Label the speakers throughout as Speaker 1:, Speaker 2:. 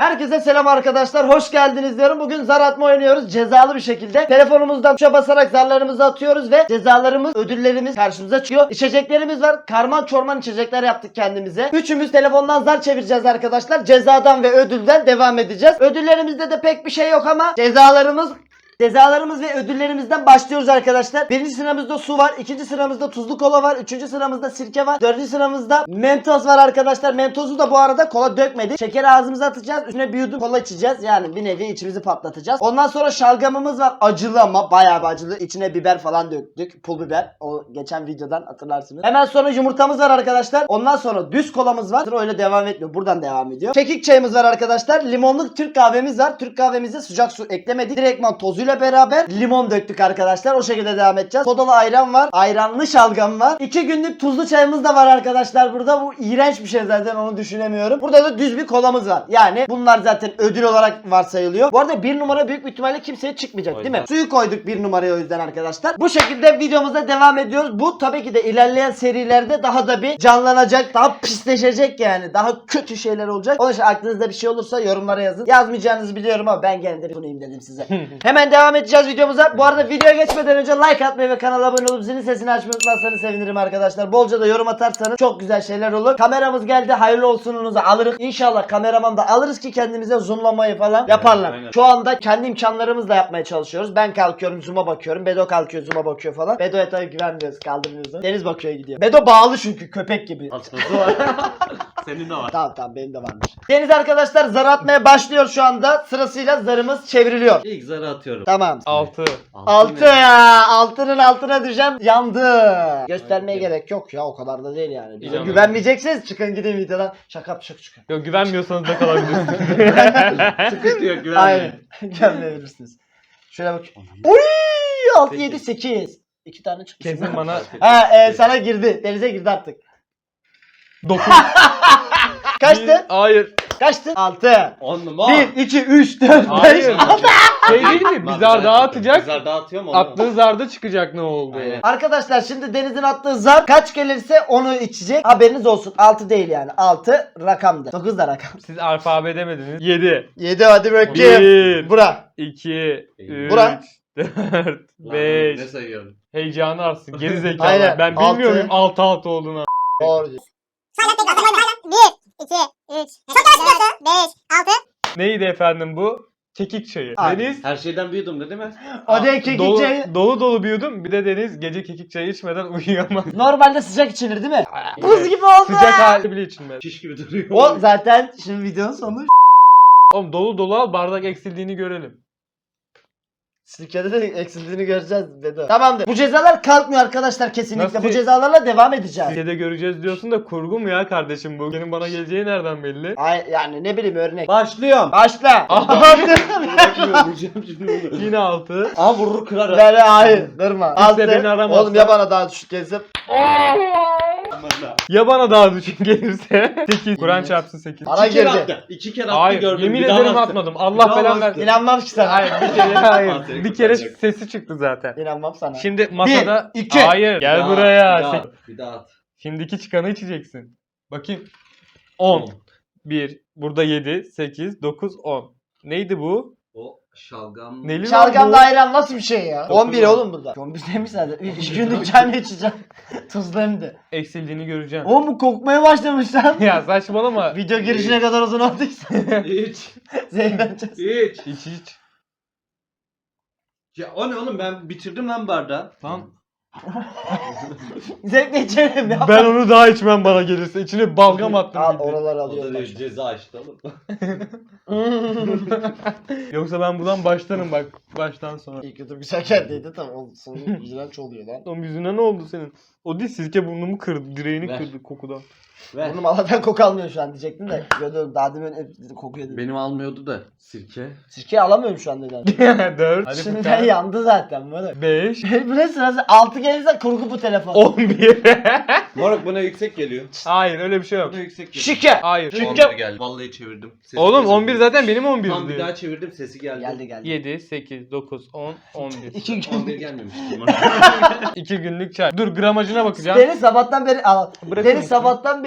Speaker 1: Herkese selam arkadaşlar. Hoş geldiniz diyorum. Bugün zar atma oynuyoruz. Cezalı bir şekilde. Telefonumuzdan tuşa basarak zarlarımızı atıyoruz ve cezalarımız, ödüllerimiz karşımıza çıkıyor. İçeceklerimiz var. Karman çorman içecekler yaptık kendimize. Üçümüz telefondan zar çevireceğiz arkadaşlar. Cezadan ve ödülden devam edeceğiz. Ödüllerimizde de pek bir şey yok ama Cezalarımız ve ödüllerimizden başlıyoruz arkadaşlar. Birinci sıramızda su var. İkinci sıramızda tuzlu kola var. Üçüncü sıramızda sirke var. Dördüncü sıramızda mentos var arkadaşlar. Mentosu da bu arada kola dökmedik. Şekeri ağzımıza atacağız. Üstüne bir yudum kola içeceğiz. Yani bir nevi içimizi patlatacağız. Ondan sonra şalgamımız var. Acılı ama bayağı bir acılı. İçine biber falan döktük. Pul biber. O geçen videodan hatırlarsınız. Hemen sonra yumurtamız var arkadaşlar. Ondan sonra düz kolamız var. Sıra öyle devam etmiyor. Buradan devam ediyor. Kekik çayımız var arkadaşlar. Limonlu Türk kahvemiz var. Türk kahvemize sıcak su eklemedik. Direktman tozuyla beraber limon döktük arkadaşlar. O şekilde devam edeceğiz. Sodalı ayran var. Ayranlı şalgam var. 2 günlük tuzlu çayımız da var arkadaşlar burada. Bu iğrenç bir şey zaten, onu düşünemiyorum. Burada da düz bir kolamız var. Yani bunlar zaten ödül olarak varsayılıyor. Bu arada 1 numara büyük bir ihtimalle kimseye çıkmayacak değil mi? Suyu koyduk 1 numaraya o yüzden arkadaşlar. Bu şekilde videomuza devam ediyoruz. Bu tabii ki de ilerleyen serilerde daha da bir canlanacak. Daha pisleşecek yani. Daha kötü şeyler olacak. Onun için aklınızda bir şey olursa yorumlara yazın. Yazmayacağınızı biliyorum ama ben gene de sunayım dedim size. Hemen devam edeceğiz videomuza. Bu arada videoya geçmeden önce like atmayı ve kanala abone olup zilin sesini açmayı unutmazsanız sevinirim arkadaşlar. Bolca da yorum atarsanız çok güzel şeyler olur. Kameramız geldi. Hayırlı olsununuzu alırız. İnşallah kameraman da alırız ki kendimize zoomlamayı falan yaparlar.
Speaker 2: Aynen.
Speaker 1: Şu anda kendi imkanlarımızla yapmaya çalışıyoruz. Ben kalkıyorum zoom'a bakıyorum. Bedo kalkıyor zoom'a bakıyor falan. Bedo'ya tabii güvenmiyoruz, kaldırmıyoruz. Deniz bakıyor gidiyor. Bedo bağlı çünkü köpek gibi.
Speaker 2: Atması var. Senin de var.
Speaker 1: Tamam benim de varmış. Deniz arkadaşlar zar atmaya başlıyor şu anda. Sırasıyla zarımız çevriliyor.
Speaker 2: İlk zarı atıyorum.
Speaker 1: Tamam.
Speaker 3: 6.
Speaker 1: 6 ya. 6'nın altına düşeceğim. Yandı. Göstermeye gerek yok ya. O kadar da değil yani. Bize
Speaker 3: İnanın.
Speaker 1: güvenmeyeceksiniz. Çıkın gidin videodan. Şaka çıkın.
Speaker 3: Yok, güvenmiyorsanız da kalabilirsiniz.
Speaker 2: Sıkıntı yok, güvenmeyin.
Speaker 1: Aynen. Güvenmeyebilirsiniz. Şöyle bak. Oy! 6, 7, 8. 2 tane çıktı.
Speaker 3: Kesin bana
Speaker 1: Sana girdi. Denize girdi artık.
Speaker 3: 9.
Speaker 1: Kaçtı?
Speaker 3: Hayır.
Speaker 1: Kaçtı? 6.
Speaker 2: 10 numara.
Speaker 1: 1, 2, 3, 4, 5.
Speaker 3: Hayır. Şey değil mi? Bir zar daha atacak.
Speaker 2: Zar daha atıyor mu?
Speaker 3: Attığı zarda çıkacak ne oldu?
Speaker 2: Aynen.
Speaker 1: Arkadaşlar şimdi Deniz'in attığı zar kaç gelirse onu içecek. Haberiniz olsun. 6 değil yani. 6 rakamdır. 9 da rakam.
Speaker 3: Siz alfabe demediniz. 7.
Speaker 1: 7 hadi bakayım.
Speaker 3: 1.
Speaker 1: Bura.
Speaker 3: 2. 3.
Speaker 1: Bura.
Speaker 3: 4.
Speaker 2: Ne
Speaker 3: 5.
Speaker 2: sayıyorum?
Speaker 3: Heyecanı artsın. Geri zekalı.
Speaker 1: Aynen.
Speaker 3: Ben bilmiyor muyum
Speaker 1: Altı.
Speaker 3: 6 olduğunu?
Speaker 1: Doğru diyorsun.
Speaker 4: Sayla tekrar. 1, 2, 3. Çok yavaş 5, 6.
Speaker 3: Neydi efendim bu? Kekik çayı.
Speaker 1: Aynen.
Speaker 3: Deniz
Speaker 2: Her şeyden bir yudum değil mi?
Speaker 1: O da kekik
Speaker 3: dolu,
Speaker 1: çayı.
Speaker 3: dolu bir yudum. Bir de Deniz gece kekik çayı içmeden uyuyamaz.
Speaker 1: Normalde sıcak içilir değil mi? Buz gibi oldu.
Speaker 3: Sıcak hali bile içilmez.
Speaker 2: Şiş gibi duruyor.
Speaker 1: O zaten şimdi videonun sonu.
Speaker 3: Oğlum dolu al, bardak eksildiğini görelim.
Speaker 1: Sirkede de eksildiğini göreceğiz Bedo. Tamamdır. Bu cezalar kalkmıyor arkadaşlar kesinlikle.
Speaker 3: Nasıl?
Speaker 1: Bu cezalarla devam edeceğiz.
Speaker 3: Sirkede göreceğiz diyorsun da kurgu mu ya kardeşim bu? Benim bana geleceği nereden belli?
Speaker 1: Ay yani ne bileyim örnek.
Speaker 2: Başlıyorum.
Speaker 1: Başla.
Speaker 2: Vuracağım şimdi bunu.
Speaker 3: Yine 6.
Speaker 2: Aa vurur kırar.
Speaker 1: Böyle hayır kırma.
Speaker 3: Kimse beni aramazsa.
Speaker 1: Oğlum ya bana daha düşük gelse.
Speaker 3: Ya bana daha düşük gelirse? 8. Kur'an çarpsın 8.
Speaker 1: Bana
Speaker 2: İki kere
Speaker 1: girdi.
Speaker 2: attı. 2 kere attı
Speaker 3: Hayır,
Speaker 2: gördüm.
Speaker 3: yemin
Speaker 2: Bir daha
Speaker 3: ederim
Speaker 2: bastı.
Speaker 3: atmadım.
Speaker 2: Bir
Speaker 3: Allah
Speaker 2: daha
Speaker 3: belanı
Speaker 2: bastı.
Speaker 1: İnanmam ki sana.
Speaker 3: Hayır, bir kere hayır.
Speaker 2: Seni
Speaker 3: Bir kere
Speaker 2: kurtaracak.
Speaker 3: sesi çıktı zaten.
Speaker 1: İnanmam sana.
Speaker 3: Şimdi masada...
Speaker 1: 1, 2.
Speaker 3: Hayır, gel
Speaker 2: Bir daha,
Speaker 3: buraya.
Speaker 2: Bir daha, bir daha at.
Speaker 3: Şimdiki çıkanı içeceksin. Bakayım. 10. 1. Burada 7, 8, 9, 10. Neydi bu?
Speaker 2: O şalgam.
Speaker 3: Neli lan
Speaker 1: Şalgamla
Speaker 3: bu?
Speaker 1: ayran nasıl bir şey ya?
Speaker 2: Dokuz
Speaker 1: 11
Speaker 2: mu?
Speaker 1: oğlum burada. 11 demiş zaten. 2 günlük çayını içeceğim. Tuzlu hem de.
Speaker 3: Eksildiğini göreceğim.
Speaker 1: Oğlum bu kokmaya başlamış lan.
Speaker 3: Ya saçmalama.
Speaker 1: Video girişine kadar uzun olduysa.
Speaker 2: İç.
Speaker 1: Zehirleneceğiz.
Speaker 2: İç.
Speaker 3: İç.
Speaker 2: Ya o ne oğlum, ben bitirdim lan bardağı.
Speaker 3: Tamam.
Speaker 1: Zevkle içerim ya.
Speaker 3: Ben onu daha içmem bana gelirse. İçine balgam attım.
Speaker 1: Al
Speaker 3: gibi.
Speaker 1: oraları
Speaker 2: O da
Speaker 1: alıyorum.
Speaker 2: değil, ceza açtı oğlum.
Speaker 3: Yoksa ben buradan başlarım bak. Baştan sonra.
Speaker 1: İlk YouTube güzel geldiydi tamam. Sonu iğrenç oluyor lan.
Speaker 3: Oğlum yüzüne ne oldu senin? O değil, sirke burnumu kırdı. Direğini
Speaker 2: Ver.
Speaker 3: kırdı kokudan.
Speaker 2: Ver.
Speaker 1: Burnum Allah'tan koku almıyor şu an diyecektim de. Gördüm daha demin hep kokuyor dedim.
Speaker 2: Benim almıyordu da sirke.
Speaker 1: Sirkeyi alamıyorum şu an neden.
Speaker 3: 4. Hadi
Speaker 1: Şimdiden yandı zaten böyle.
Speaker 3: 5.
Speaker 1: Bu ne sırası? 6 gelirse kurgu bu telefon.
Speaker 3: 11.
Speaker 2: Moruk buna yüksek geliyor.
Speaker 3: Hayır, öyle bir şey yok.
Speaker 2: Buna yüksek geliyor.
Speaker 1: Şike.
Speaker 3: Hayır.
Speaker 1: Şike.
Speaker 2: 11 geldi. Vallahi çevirdim. Sesi
Speaker 3: Oğlum
Speaker 2: geldi.
Speaker 3: 11 zaten benim 11
Speaker 2: Tam bir
Speaker 3: diyor.
Speaker 2: daha çevirdim, sesi geldi.
Speaker 1: Geldi.
Speaker 3: 7, 8, 9, 10, 11.
Speaker 1: 2 gün.
Speaker 2: 11 gelmemişti.
Speaker 3: 2 günlük çay. Dur, gramajına bakacağım.
Speaker 1: Deniz sabahtan beri al.
Speaker 3: Bırakır
Speaker 1: Deniz
Speaker 3: mısın?
Speaker 1: sabahtan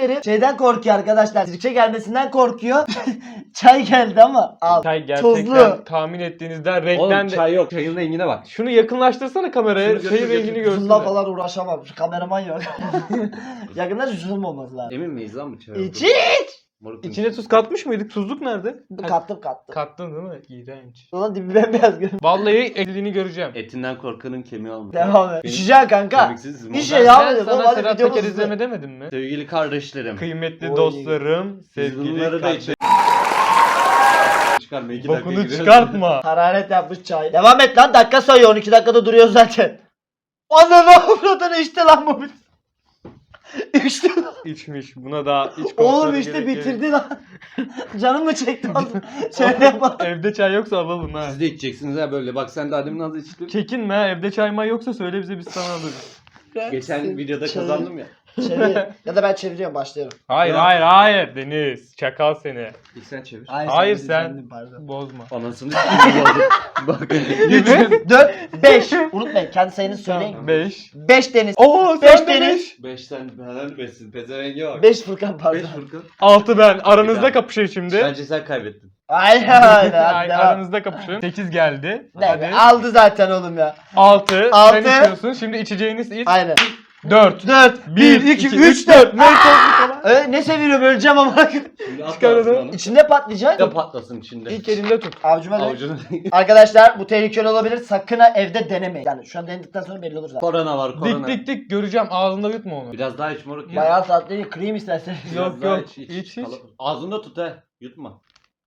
Speaker 1: beri şeyden korkuyor arkadaşlar. Sirke gelmesinden korkuyor. Çay geldi ama al.
Speaker 3: Çay gerçekten
Speaker 1: Tuzlu.
Speaker 3: tahmin ettiğinizden
Speaker 2: Oğlum
Speaker 3: renkten de...
Speaker 2: çay yok. Çayın rengine bak.
Speaker 3: Şunu yakınlaştırsana kameraya.
Speaker 2: Şunu götür,
Speaker 3: Çayın
Speaker 2: götür.
Speaker 3: rengini görsünler.
Speaker 1: Bununla falan uğraşamam. Şu kameraman yok. Yakında zoom olması lazım.
Speaker 2: Emin miyiz lan bu çay?
Speaker 1: İç iç.
Speaker 2: Moruk
Speaker 3: İçine tuz katmış mıydık? Tuzluk nerede?
Speaker 1: Kattım.
Speaker 3: Kattın değil mi? İğrenç.
Speaker 1: Ulan dibi bembeyaz görünüyor.
Speaker 3: Vallahi ekliğini göreceğim.
Speaker 2: Etinden korkanın kemiği olmuş.
Speaker 1: Devam et.
Speaker 2: Benim-
Speaker 1: İçeceksin kanka.
Speaker 2: Kemiksiz mi?
Speaker 1: İşe
Speaker 3: Ben
Speaker 1: ya.
Speaker 3: sana Serhat Peker izleme demedim mi?
Speaker 2: Sevgili kardeşlerim.
Speaker 3: Kıymetli
Speaker 1: Oy.
Speaker 3: dostlarım,
Speaker 2: Biz
Speaker 3: sevgili
Speaker 2: bunları da
Speaker 3: kardeşlerim.
Speaker 2: Çıkarma 2 dakika
Speaker 3: Bokunu
Speaker 2: giriyoruz.
Speaker 3: çıkartma.
Speaker 1: Hararet yapmış çay. Devam et lan, dakika sayıyor, 12 dakikada duruyor zaten. Ananı avradını içti lan bu. İçti lan.
Speaker 3: İçmiş. Buna da iç
Speaker 1: Oğlum
Speaker 3: kontrolü
Speaker 1: işte
Speaker 3: gerek yok.
Speaker 1: bitirdi lan. Canım mı çekti oğlum? Şöyle yapalım.
Speaker 3: Evde çay yoksa alalım ha.
Speaker 2: Siz de içeceksiniz ha böyle. Bak sen daha demin az içtin.
Speaker 3: Çekinme ha. Evde çay may yoksa söyle bize biz sana alırız.
Speaker 2: Geçen videoda
Speaker 1: Çevir.
Speaker 2: kazandım ya.
Speaker 1: Çevir. Ya da ben çeviriyorum, başlıyorum.
Speaker 3: Hayır
Speaker 2: Ya.
Speaker 3: hayır Deniz. Çakal seni.
Speaker 2: İlk sen çevir.
Speaker 3: Hayır, sen.
Speaker 1: efendim, pardon.
Speaker 3: Bozma.
Speaker 2: Anasını s**eyim oldu. Bak.
Speaker 1: 3, 4, 5. Unutmayın, kendi sayınızı söyleyin.
Speaker 3: 5.
Speaker 1: 5 Deniz.
Speaker 3: Oo
Speaker 1: Beş
Speaker 3: sen de
Speaker 1: Deniz.
Speaker 3: 5.
Speaker 2: 5'ten helal besin. Pezevenge bak.
Speaker 1: 5 Furkan,
Speaker 2: 5
Speaker 1: pardon.
Speaker 2: Furkan.
Speaker 3: 6 ben. Aranızda
Speaker 2: Bir daha.
Speaker 3: kapışın şimdi.
Speaker 2: Bence sen kaybettin.
Speaker 1: Aynen hadi
Speaker 3: Ay,
Speaker 1: devam.
Speaker 3: aranızda kapışın. 8 geldi.
Speaker 1: Ne
Speaker 3: Hadi.
Speaker 1: be, aldı zaten oğlum ya.
Speaker 3: 6.
Speaker 1: Altı.
Speaker 3: Sen içiyorsun. Şimdi içeceğiniz iç.
Speaker 1: Aynen.
Speaker 3: 4.
Speaker 1: 4, 1, 2, 3, 4. Ne seviyorum, öleceğim ama.
Speaker 2: Şimdi at
Speaker 3: Çıkar
Speaker 2: ağzına
Speaker 3: onu.
Speaker 2: onu.
Speaker 1: İçinde patlayacak.
Speaker 2: Da patlasın içinde.
Speaker 3: İlk elinde tut.
Speaker 1: Avcuma dön.
Speaker 2: Avucunu.
Speaker 1: Arkadaşlar bu tehlikeli olabilir. Sakın ha evde denemeyin. Yani şu an denedikten sonra belli olur zaten.
Speaker 2: Korona var korona.
Speaker 3: Dik göreceğim. Ağzında yutma onu.
Speaker 2: Biraz daha iç moruk ya.
Speaker 1: Bayağı tatlı, kırayım istersen.
Speaker 2: Biraz
Speaker 3: Yok,
Speaker 2: daha
Speaker 3: yok. İç.
Speaker 2: Ağzında tut he. Yutma.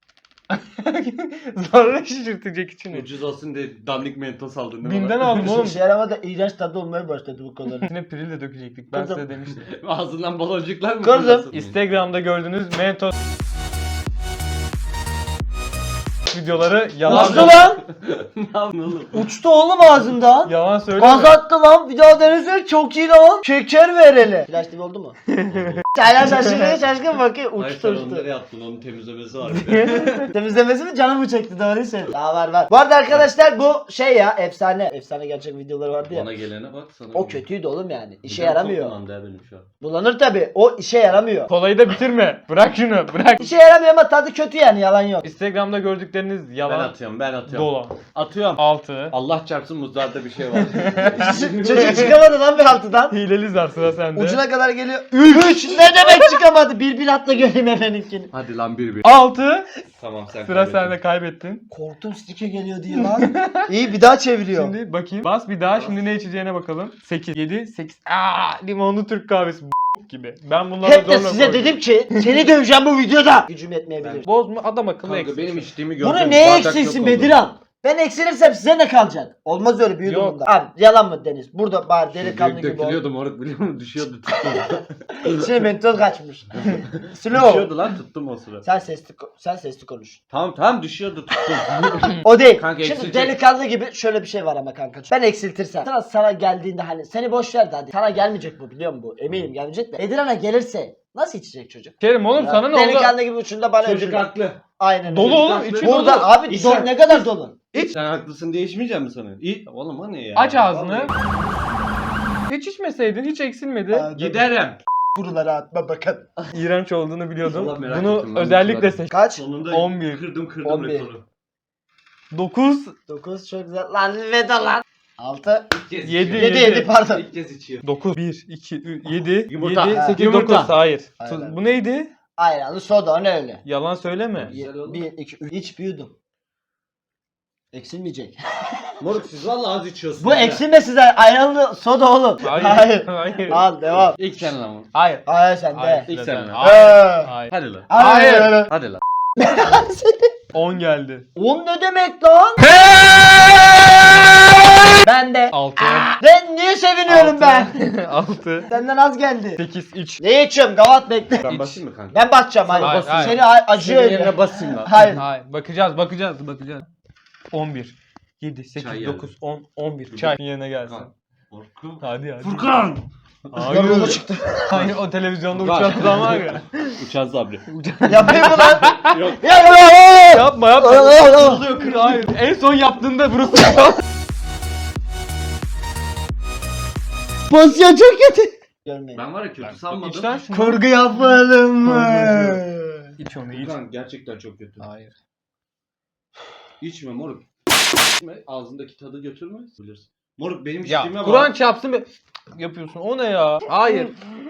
Speaker 3: Zarra şişirtecek içini.
Speaker 2: Ucuz olsun diye dandik mentos aldın değil mi?
Speaker 3: Bim'den aldım oğlum.
Speaker 1: İşe yaramadı, iğrenç tadı olmaya başladı bu kadar.
Speaker 3: İçine piril de dökecektik. Ben
Speaker 1: Kızım.
Speaker 3: size demiştim.
Speaker 2: Ağzından baloncuklar mı?
Speaker 1: Kızım.
Speaker 2: fırlasın?
Speaker 3: Instagram'da gördüğünüz Mentos videoları yalan
Speaker 1: Uçtu lan.
Speaker 2: Ne yaptın oğlum?
Speaker 1: Uçtu oğlum ağzından.
Speaker 3: Yalan söyleme.
Speaker 1: Gaz attı lan. Bir daha denesene, çok iyi lan. Şeker ver hele. Flash TV oldu mu? Hala şaşkın bakıyor.
Speaker 2: Hayır
Speaker 1: Uçtu
Speaker 2: sen onları
Speaker 1: uçtu.
Speaker 2: yaptın. Onun temizlemesi var. bir de.
Speaker 1: Temizlemesi mi, canım mı çekti, doğruyu söyle. Daha var. Bu arada arkadaşlar bu şey ya, efsane. Efsane gerçek videoları vardı ya.
Speaker 2: Bana gelene bak sana.
Speaker 1: O kötüydü oğlum yani. İşe
Speaker 2: Midem çok
Speaker 1: yaramıyor.
Speaker 2: bulandı ya benim şu an.
Speaker 1: Bulanır tabi. O işe yaramıyor.
Speaker 3: Kolayı da bitirme. Bırak şunu. Bırak.
Speaker 1: İşe yaramıyor ama tadı kötü yani, yalan yok.
Speaker 3: Instagram'da gördükleriniz
Speaker 2: Ben
Speaker 3: yalan.
Speaker 2: atıyorum.
Speaker 3: Dolan.
Speaker 2: Atıyorum.
Speaker 3: 6.
Speaker 2: Allah çarpsın muzlarda bir şey var.
Speaker 1: Çocuk çıkamadı lan bir altıdan.
Speaker 3: Hileli zar sıra sende.
Speaker 1: Ucuna kadar geliyor. 3. Ne demek çıkamadı? Bir atla göreyim efendimkini.
Speaker 2: Hadi lan 1-1.
Speaker 3: 6.
Speaker 2: Tamam sen
Speaker 3: Sıra
Speaker 2: kaybettin.
Speaker 3: sende, kaybettin.
Speaker 1: Korktum, stike geliyor diye lan. İyi, bir daha çeviriyor.
Speaker 3: Şimdi bakayım. Bas bir daha. Şimdi ne içeceğine bakalım. 8. 7. 8. Limonlu Türk kahvesi gibi. Ben bunları
Speaker 1: Hep de
Speaker 3: zorla
Speaker 1: size
Speaker 3: koydum.
Speaker 1: dedim ki seni döveceğim bu videoda. Gücüm yetmeyebilir.
Speaker 3: Bozma, adam akıllı
Speaker 2: Kanka
Speaker 3: eksik.
Speaker 2: benim içtiğimi gördüm.
Speaker 1: Bunu neye
Speaker 2: Bardak
Speaker 1: eksilsin
Speaker 2: yok oldu.
Speaker 1: Bediran? Ben eksilirsem size ne kalacak? Olmaz öyle, büyüdüm
Speaker 3: Yok.
Speaker 1: bunda. Abi yalan mı Deniz? Burada bari
Speaker 2: Şu
Speaker 1: delikanlı gibi ol.
Speaker 2: dökülüyordu moruk biliyor musun? Düşüyordu tuttum.
Speaker 1: Şimdi mentos kaçmış. Slow.
Speaker 2: Düşüyordu lan tuttum o sıra.
Speaker 1: Sen sesli konuş.
Speaker 2: Tamam düşüyordu tuttum.
Speaker 1: O değil.
Speaker 2: Kanka
Speaker 1: Şimdi
Speaker 2: eksilecek.
Speaker 1: delikanlı gibi şöyle bir şey var ama kanka. Ben eksiltirsem. Sana geldiğinde hani seni boş ver de hadi. Sana gelmeyecek bu, biliyor musun bu? Eminim gelmeyecek de. Edirana gelirse nasıl içecek çocuk?
Speaker 3: Kerim oğlum
Speaker 1: Ya,
Speaker 3: sana ne oldu?
Speaker 1: delikanlı gibi uçunda bana
Speaker 2: Çocuk
Speaker 1: ödül ver.
Speaker 2: haklı.
Speaker 1: Aynen
Speaker 3: Dolu
Speaker 1: öyle.
Speaker 3: oğlum,
Speaker 2: haklı.
Speaker 3: içi
Speaker 1: Burada
Speaker 3: dolu.
Speaker 1: abi
Speaker 2: İç
Speaker 1: dolu,
Speaker 2: sen.
Speaker 1: ne kadar dolu.
Speaker 2: Sen haklısın diye içmeyecek mi sana? Oğlum o ne ya?
Speaker 3: Aç ağzını.
Speaker 2: Vallahi.
Speaker 3: Hiç içmeseydin, hiç eksilmedi.
Speaker 2: Giderim.
Speaker 1: Kurulara atma bakın.
Speaker 3: İğrenç olduğunu biliyordum.
Speaker 2: Vallahi merak
Speaker 3: Bunu
Speaker 2: ettim lan,
Speaker 3: özellikle
Speaker 2: merak
Speaker 3: seçtim.
Speaker 1: Kaç?
Speaker 2: Sonunda
Speaker 3: 11.
Speaker 2: kırdım
Speaker 1: 11.
Speaker 2: rekoru.
Speaker 3: 9.
Speaker 1: 9 çok güzel. Lan veda lan. 6.
Speaker 2: İlk kez
Speaker 3: Yedi.
Speaker 2: içiyor.
Speaker 1: 7 pardon.
Speaker 2: İlk kez içiyor.
Speaker 3: 9. 1, 2, 7,
Speaker 2: Yumurta.
Speaker 3: 7,
Speaker 1: Ha.
Speaker 3: 8,
Speaker 2: Yumurta.
Speaker 3: 9. Hayır.
Speaker 1: Aynen.
Speaker 3: Bu neydi?
Speaker 1: Ayranlı soda, o ne öyle?
Speaker 3: Yalan söyleme.
Speaker 2: Güzel oğlum.
Speaker 1: 1, 2, 3. İç büyüdüm. Eksilmeyecek.
Speaker 2: Moruk siz valla az içiyorsunuz.
Speaker 1: Bu
Speaker 2: ya.
Speaker 1: eksilme size, ayranlı soda oğlum.
Speaker 3: Hayır. Hayır.
Speaker 1: Al devam.
Speaker 2: İlk sen lan.
Speaker 3: Hayır.
Speaker 1: Hayır sen de.
Speaker 2: İlk sen lan.
Speaker 3: Hayır. Hayır.
Speaker 2: Hadi lan.
Speaker 1: Hayır.
Speaker 2: Hadi lan.
Speaker 3: 10 geldi.
Speaker 1: 10 ne demek lan? Ben de.
Speaker 3: 6.
Speaker 1: Ben niye seviniyorum ben?
Speaker 3: 6.
Speaker 1: Senden az geldi.
Speaker 3: 8, iç.
Speaker 1: Ne içiyorum? Gavat bekle.
Speaker 2: Ben basayım mı kanka?
Speaker 1: Ben basacağım hadi.
Speaker 3: Hayır, hayır.
Speaker 1: Seni acıyor
Speaker 2: Senin
Speaker 1: öyle.
Speaker 2: yerine basayım lan.
Speaker 1: Hayır.
Speaker 3: Hayır. Bakacağız. 11. 7, 8,
Speaker 2: Çay
Speaker 3: 9, 10, 11. Çay yerine gelsin.
Speaker 2: Furkan.
Speaker 3: Hadi.
Speaker 2: Furkan.
Speaker 1: Yoruldu
Speaker 3: Hayır.
Speaker 1: çıktı.
Speaker 3: Hayır, o televizyonda
Speaker 2: Furkan.
Speaker 3: uçan adam var ya.
Speaker 2: Uçan sabri.
Speaker 1: Yapayım mı lan?
Speaker 2: Yok.
Speaker 1: Ya ya.
Speaker 3: Yapma.
Speaker 2: Kırılıyor kırılıyor.
Speaker 3: Hayır. En son yaptığında burası.
Speaker 1: Pozisyon çok kötü. Görmeyin.
Speaker 2: Ben var ya kötü sanmadım.
Speaker 3: İç lan şunu.
Speaker 1: Kurgu yapalım mı?
Speaker 3: İç onu iç.
Speaker 2: Furkan gerçekten çok kötü.
Speaker 3: Hayır.
Speaker 2: İçme moruk. İçme ağzındaki tadı götürme. Bilirsin. Moruk benim
Speaker 3: Ya
Speaker 2: içtiğime
Speaker 3: Kur'an
Speaker 2: bak.
Speaker 3: çarpsın be. Yapıyorsun. O ne ya? Hayır.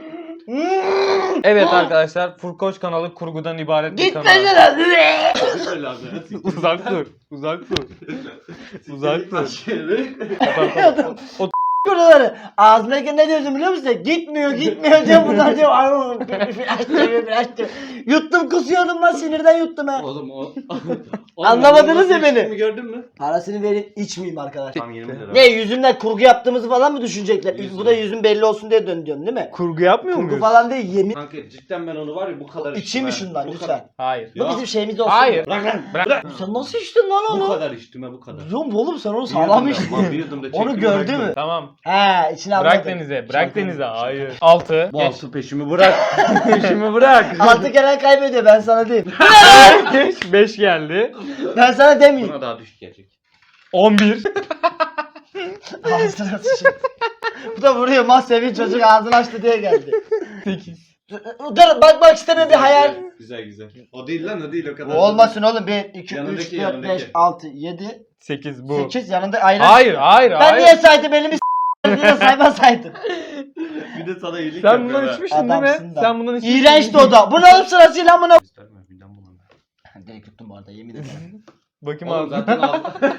Speaker 3: Evet arkadaşlar, Furkoş kanalı kurgudan ibaret bir
Speaker 1: Git
Speaker 3: kanal.
Speaker 1: lan.
Speaker 2: Böyle lazım.
Speaker 3: Uzak dur. Uzak dur. Uzak dur.
Speaker 2: Aşırı.
Speaker 3: O
Speaker 1: Buraları. Ağzımdaki ne diyordum biliyor musun? Gitmiyor diyor. Bunlar diyor. Ay flash diyor. Yuttum kusuyordum lan sinirden yuttum ha.
Speaker 2: Oğlum o.
Speaker 1: Anlamadınız ya beni.
Speaker 2: İçtiğimi gördün mü?
Speaker 1: Parasını verin içmeyeyim arkadaşlar.
Speaker 2: Tam 20 lira.
Speaker 1: Ne yüzümden kurgu yaptığımızı falan mı düşünecekler?
Speaker 2: Yüzüm.
Speaker 1: Bu da yüzüm belli olsun diye dönüyorum değil mi?
Speaker 3: kurgu yapmıyor
Speaker 1: Kurgu
Speaker 3: muyuz?
Speaker 1: falan değil yemin.
Speaker 2: Kanka cidden ben onu var ya bu kadar
Speaker 1: İçeyim mi
Speaker 2: içtim ha.
Speaker 1: şundan
Speaker 2: Bu
Speaker 1: lütfen?
Speaker 2: kadar.
Speaker 3: Hayır.
Speaker 1: Bu
Speaker 2: Ya.
Speaker 1: bizim şeyimiz olsun.
Speaker 3: Hayır.
Speaker 2: Bırak lan.
Speaker 3: Bırak.
Speaker 1: Sen nasıl içtin lan
Speaker 2: Bu
Speaker 1: onu?
Speaker 2: kadar içtim ha bu kadar.
Speaker 1: Yok oğlum sen onu
Speaker 2: Bir
Speaker 1: sağlam
Speaker 2: yudum da-
Speaker 1: içtin.
Speaker 2: bir yudum da
Speaker 1: Onu
Speaker 2: çektim,
Speaker 1: gördü
Speaker 2: bıraktım.
Speaker 1: mü?
Speaker 3: Tamam.
Speaker 1: He içine
Speaker 3: Bırak
Speaker 1: almadım.
Speaker 3: denize. Bırak
Speaker 1: Şaka
Speaker 3: denize.
Speaker 1: yapıyorum,
Speaker 3: Hayır.
Speaker 1: şaka.
Speaker 3: 6.
Speaker 2: Bu altı peşimi bırak.
Speaker 3: Peşimi bırak.
Speaker 1: Altı gelen kaybediyor ben sana diyeyim.
Speaker 3: 5 geldi.
Speaker 1: Ben sana demeyeyim.
Speaker 2: Buna daha düşük gelecek.
Speaker 3: 11.
Speaker 1: Ağzına sıçayım. Bu da vuruyor mahsevi çocuk ağzını açtı diye geldi.
Speaker 3: 8.
Speaker 1: Dur bakmak istemiyorum bir hayal.
Speaker 2: Güzel. O değil lan o değil o kadar.
Speaker 1: O olmasın oğlum 1, 2, 3,
Speaker 2: Yanındaki,
Speaker 1: 4,
Speaker 2: yanındaki.
Speaker 1: 5, 6, 7,
Speaker 3: 8 bu.
Speaker 1: 8 yanında ayran.
Speaker 3: Hayır, hayır,
Speaker 1: Ben
Speaker 3: hayır.
Speaker 1: niye saydım elimi diye saymasaydım.
Speaker 2: Bir de sana iyilik
Speaker 3: Sen bundan
Speaker 2: yapıyor
Speaker 3: içmiştin değil
Speaker 1: Adamsın
Speaker 3: mi?
Speaker 1: da.
Speaker 3: Sen bundan içmiştin.
Speaker 1: İğrençti o da. Bu ne oğlum sırasıyla amına.
Speaker 2: Gösterme birden bulandı.
Speaker 1: Direkt tuttum bu arada yemin ederim.
Speaker 3: Bakayım
Speaker 2: Oğlum
Speaker 3: abi.
Speaker 2: zaten aldı.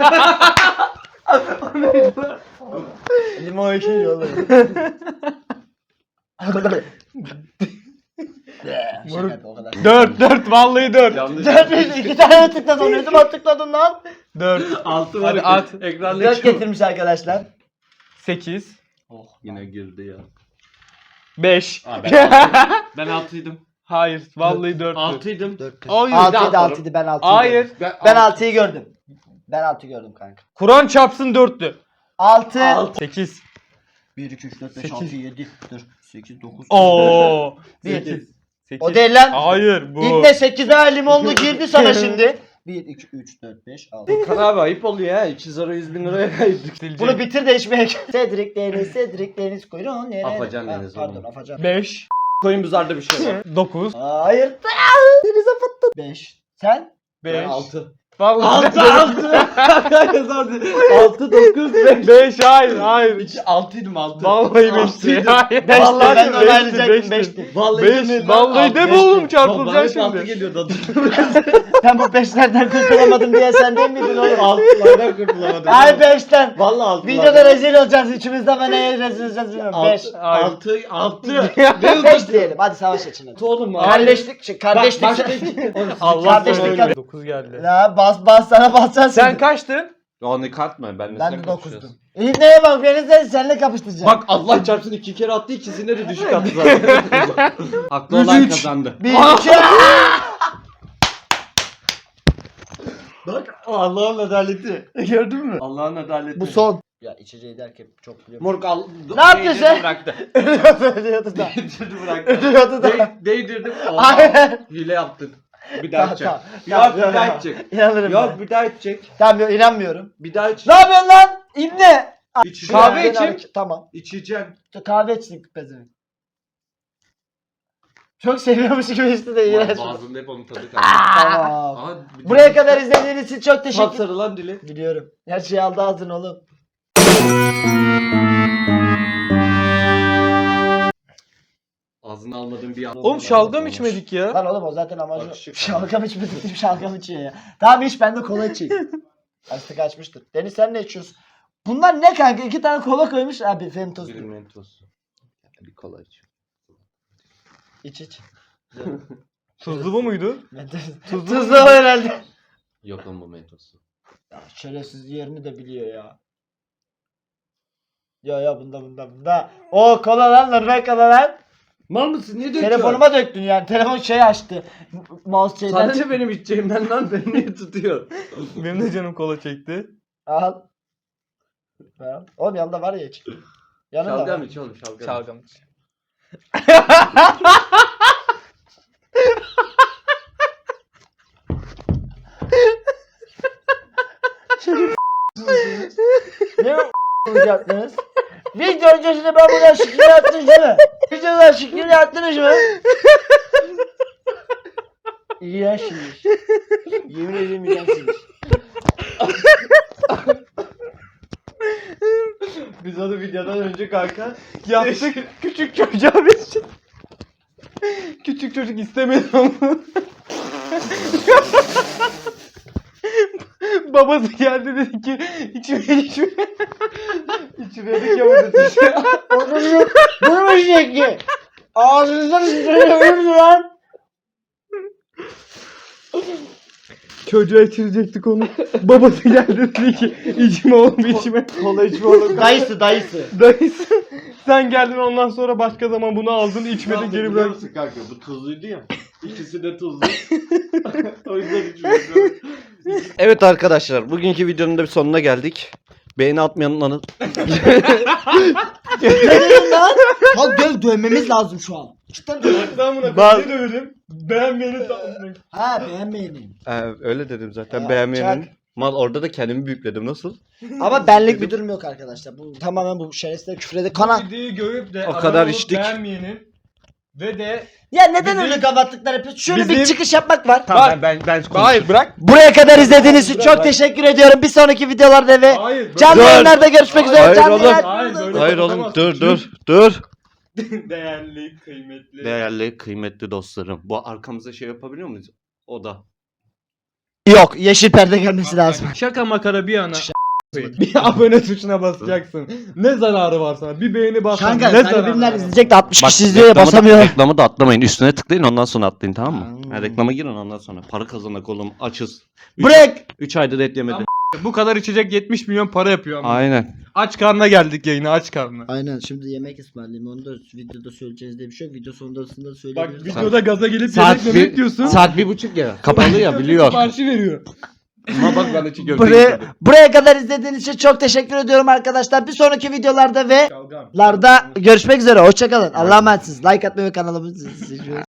Speaker 1: Limon ekşi oğlum. Şaka yapıyor, o kadar.
Speaker 3: 4 vallahi 4.
Speaker 2: Yanlış.
Speaker 1: 4 2 tane tıkladın. Ne zaman tıkladın lan?
Speaker 3: 4.
Speaker 2: Altı
Speaker 3: Hadi
Speaker 2: var.
Speaker 3: at.
Speaker 2: Ekranda
Speaker 1: 4
Speaker 2: geçiyor.
Speaker 1: getirmiş arkadaşlar.
Speaker 3: 8.
Speaker 1: Oh.
Speaker 2: Yine girdi ya.
Speaker 3: 5.
Speaker 2: Aa, ben altıydım.
Speaker 3: Hayır, vallahi 4.
Speaker 2: Altıydım.
Speaker 1: 4
Speaker 3: Hayır.
Speaker 1: 6
Speaker 2: daha
Speaker 1: 7 6 idi ben 6'yı
Speaker 3: Hayır.
Speaker 1: gördüm. Ben 6'yı gördüm. Ben 6'yı gördüm kanka.
Speaker 3: Kur'an çarpsın 4'tü.
Speaker 1: 6
Speaker 3: 8.
Speaker 1: 1 2 3 4 5
Speaker 3: Sekiz.
Speaker 1: 6 7 dur 8 9
Speaker 3: Oo.
Speaker 1: 1
Speaker 3: 8.
Speaker 1: O değil lan.
Speaker 3: Hayır bu.
Speaker 1: İbne 8'e limonlu girdi sana şimdi. 1 2 3 4 5 6.
Speaker 2: Kan abi ayıp oluyor ya. 200 lira 100 bin liraya kaydık.
Speaker 1: Bunu bitir de içmeye. Cedric Deniz kuyruğun nereye?
Speaker 2: Afacan
Speaker 1: Ha,
Speaker 2: Deniz
Speaker 1: pardon
Speaker 2: oğlum.
Speaker 1: Afacan.
Speaker 3: 5.
Speaker 2: Koyun buzarda bir şey var.
Speaker 3: 9.
Speaker 1: Hayır. Denize fıttın. 5. Sen?
Speaker 3: 5.
Speaker 2: 6.
Speaker 3: Vallahi
Speaker 2: 6 9 5.
Speaker 3: 5 hayır.
Speaker 2: 6'ydım 6.
Speaker 3: Vallahi 5'ti. Hayır.
Speaker 1: 5'ti
Speaker 3: Vallahi
Speaker 1: ben de
Speaker 3: beşti,
Speaker 1: onaylayacaktım
Speaker 3: beşti.
Speaker 1: 5'ti.
Speaker 2: Vallahi
Speaker 3: 5. Vallahi de mi oğlum çarpılacaksın
Speaker 2: Bana 6
Speaker 3: şimdi.
Speaker 2: geliyordu adı.
Speaker 1: Ben bu 5'lerden kurtulamadım diye sen değil miydin oğlum?
Speaker 2: 6'lardan kurtulamadım.
Speaker 1: Ay 5'ten.
Speaker 2: Vallahi 6.
Speaker 1: Videoda rezil olacağız üçümüzden ben neye rezil olacağız bilmiyorum. 5.
Speaker 2: 6.
Speaker 1: 5 diyelim hadi savaş için. hadi.
Speaker 2: Oğlum
Speaker 1: Kardeşlik, kardeşlik.
Speaker 3: Allah
Speaker 1: Kardeşlik
Speaker 3: sana
Speaker 1: yap-
Speaker 3: 9 geldi.
Speaker 1: La bas sana basacaksın.
Speaker 3: Sen kaçtın?
Speaker 2: Onu katma ben
Speaker 1: Ben de 9'dum. Neye bak beni seninle kapıştıracağım.
Speaker 2: Bak Allah çarpsın 2 kere attı ikisine de düşük attı zaten. Haklı olan
Speaker 1: Üç.
Speaker 2: kazandı.
Speaker 1: 1 2
Speaker 2: Bak Allah'ın adaleti.
Speaker 1: Gördün mü?
Speaker 2: Allah'ın adaleti.
Speaker 1: Bu son. Ya içeceği derken çok biliyorum.
Speaker 2: Morg al.
Speaker 1: Ne yapıyorsun sen?
Speaker 2: Bıraktı.
Speaker 1: Ölüyordu da.
Speaker 2: Değdirdi bıraktı.
Speaker 1: Ölüyordu da.
Speaker 2: Değdirdim.
Speaker 1: Hayır.
Speaker 2: Hile yaptın. Bir daha içecek.
Speaker 1: Tamam,
Speaker 2: Yok bir daha içecek.
Speaker 1: İnanırım
Speaker 2: Yok
Speaker 1: ben.
Speaker 2: bir daha içecek.
Speaker 1: Tamam yok inanmıyorum.
Speaker 2: Bir daha iç.
Speaker 1: Ne yapıyorsun lan? İbne.
Speaker 2: İçecek.
Speaker 3: Kahve için.
Speaker 1: Tamam.
Speaker 2: İçeceğim.
Speaker 1: Kahve içtik pezevenk. Çok seviyormuş gibi içti de iğrenç.
Speaker 2: Ağzımda hep onun tadı kaldı.
Speaker 1: Tamam.
Speaker 2: Aa, bir
Speaker 1: Buraya
Speaker 2: de-
Speaker 1: kadar izlediğiniz için çok teşekkür ederim.
Speaker 2: Sapsarı dili.
Speaker 1: Biliyorum. Her şeyi aldı ağzına oğlum.
Speaker 2: Ağzına almadığım bir an.
Speaker 3: Oğlum şalgam içmedik ya.
Speaker 1: Lan oğlum o zaten amacı.
Speaker 2: Yakışık.
Speaker 1: Şalgam içmedik deyip şalgam içiyor ya. Tamam iç ben de kola içeyim. Açtık açmıştır. Deniz sen ne içiyorsun? Bunlar ne kanka? 2 tane kola koymuş. Abi Fentos.
Speaker 2: Bir mentos. Bir kola iç.
Speaker 1: İç.
Speaker 3: Tuzlu bu muydu?
Speaker 1: Tuzlu o herhalde.
Speaker 2: Yok lan bu mentosu.
Speaker 1: Ya şerefsiz yerini de biliyor ya. Ya bunda. O kola lan Norveç kola lan.
Speaker 2: Mal mısın? Niye döküyorsun?
Speaker 1: Telefonuma döktün yani. Telefon şey açtı. Mouse şeyden.
Speaker 2: Sana ne benim içeceğimden lan beni niye tutuyor?
Speaker 3: Benim de canım kola çekti.
Speaker 1: Al. Al. Oğlum yanında var ya hiç. Yanında
Speaker 2: Şalgam
Speaker 1: var.
Speaker 2: iç oğlum şalgam.
Speaker 3: Şalgam iç.
Speaker 1: Ne yaptınız? Video öncesinde ben buradan şıkkını attınız değil mi? Videodan şıkkını attınız mı? İğrençsiniz. Yemin ederim iğrençsiniz.
Speaker 2: Biz onu videodan önce kanka
Speaker 3: Yaptık küçük çocuğa bir şey. Küçük çocuk istemedi onu. Babası geldi dedi ki içme. İçme dedik ya burada.
Speaker 1: Bunu mu şekli? Ağzınızdan sıçrayabilir lan.
Speaker 3: Çocuğa içirecektik onu. Babası geldi dedi ki içme oğlum içme.
Speaker 2: kola içme oğlum.
Speaker 1: Dayısı.
Speaker 3: Dayısı sen geldin ondan sonra başka zaman bunu aldın içmedin geri
Speaker 2: Biliyor
Speaker 3: bırak.
Speaker 2: musun kanka? Bu tuzluydu ya. İkisi de tuzlu. O yüzden içmiyorum. Evet arkadaşlar, bugünkü videonun da bir sonuna geldik. Beğeni atmayanların
Speaker 1: Ne dedin lan? Al dövmemiz lazım şu an. Cidden dövmemiz.
Speaker 3: Ben buna
Speaker 2: Bak-
Speaker 3: ne döverim? Beğenmeyeni tamam.
Speaker 1: Ha beğenmeyelim.
Speaker 2: öyle dedim zaten
Speaker 1: Ya,
Speaker 2: beğenmeyenin.
Speaker 1: çak.
Speaker 2: Mal orada da kendimi büyükledim nasıl?
Speaker 1: Ama benlik bir durum yok arkadaşlar. Bu tamamen bu şerefsizler küfrede kana.
Speaker 3: Bu videoyu görüp de
Speaker 2: O
Speaker 3: abone
Speaker 2: kadar
Speaker 3: olup
Speaker 2: içtik.
Speaker 3: beğenmeyenin ve de
Speaker 1: Ya neden
Speaker 3: Bizim-
Speaker 1: öyle kapattıklar yapıyorsun? Şöyle bir
Speaker 3: bizim-
Speaker 1: çıkış yapmak var.
Speaker 3: Tamam,
Speaker 2: ben
Speaker 3: hayır bırak.
Speaker 1: Buraya kadar izlediğiniz için çok teşekkür ediyorum. Bir sonraki videolarda ve
Speaker 3: Hayır. bırak.
Speaker 1: canlı
Speaker 2: Dur.
Speaker 1: yayınlarda görüşmek üzere.
Speaker 2: Hayır
Speaker 1: Canlı
Speaker 2: oğlum.
Speaker 1: yayınlar-
Speaker 3: Hayır, böyle
Speaker 2: Hayır oğlum
Speaker 3: kapatamazsın.
Speaker 2: dur.
Speaker 3: Değerli, kıymetli.
Speaker 2: Değerli, kıymetli dostlarım. Bu arkamıza şey yapabiliyor muyuz? O da.
Speaker 1: Yok, yeşil perde gelmesi lazım.
Speaker 3: Şaka makara bir yana. Bir abone tuşuna basacaksın. Ne zararı var sana? Bir beğeni bassan
Speaker 1: Kanka
Speaker 3: ne
Speaker 1: talibimler
Speaker 3: var?
Speaker 1: izleyecek de 60
Speaker 2: Bak,
Speaker 1: kişi izliyor ya
Speaker 2: reklamı da-
Speaker 1: basamıyor.
Speaker 2: Reklamı da atlamayın. Üstüne tıklayın ondan sonra atlayın tamam mı?
Speaker 1: Hmm.
Speaker 2: Ha, reklama girin ondan sonra. Para kazanak oğlum. Açız.
Speaker 1: Bırak.
Speaker 2: 3 aydır et yemedim.
Speaker 3: Bu kadar içecek 70 milyon para yapıyor ama.
Speaker 2: Aynen.
Speaker 3: Aç karnına geldik yayına aç karnına.
Speaker 1: Aynen şimdi yemek ısmarlayayım. Onu da videoda söyleyeceğiz diye bir şey yok. Video sonunda da
Speaker 3: Bak
Speaker 1: söyleyebiliriz.
Speaker 3: videoda gaza gelip
Speaker 2: Saat
Speaker 3: yemek memek diyorsun.
Speaker 2: Saat 1:30 ya. Kapalı ya biliyor.
Speaker 3: Siparişi veriyor.
Speaker 2: Ama bak ben de çiğ köfte
Speaker 1: Buraya,
Speaker 2: getirdim.
Speaker 1: buraya kadar izlediğiniz için çok teşekkür ediyorum arkadaşlar. Bir sonraki videolarda ve
Speaker 3: Şalgam.
Speaker 1: larda görüşmek üzere. Hoşçakalın. Allah'a emanetsiniz. Like atmayı ve kanalımızı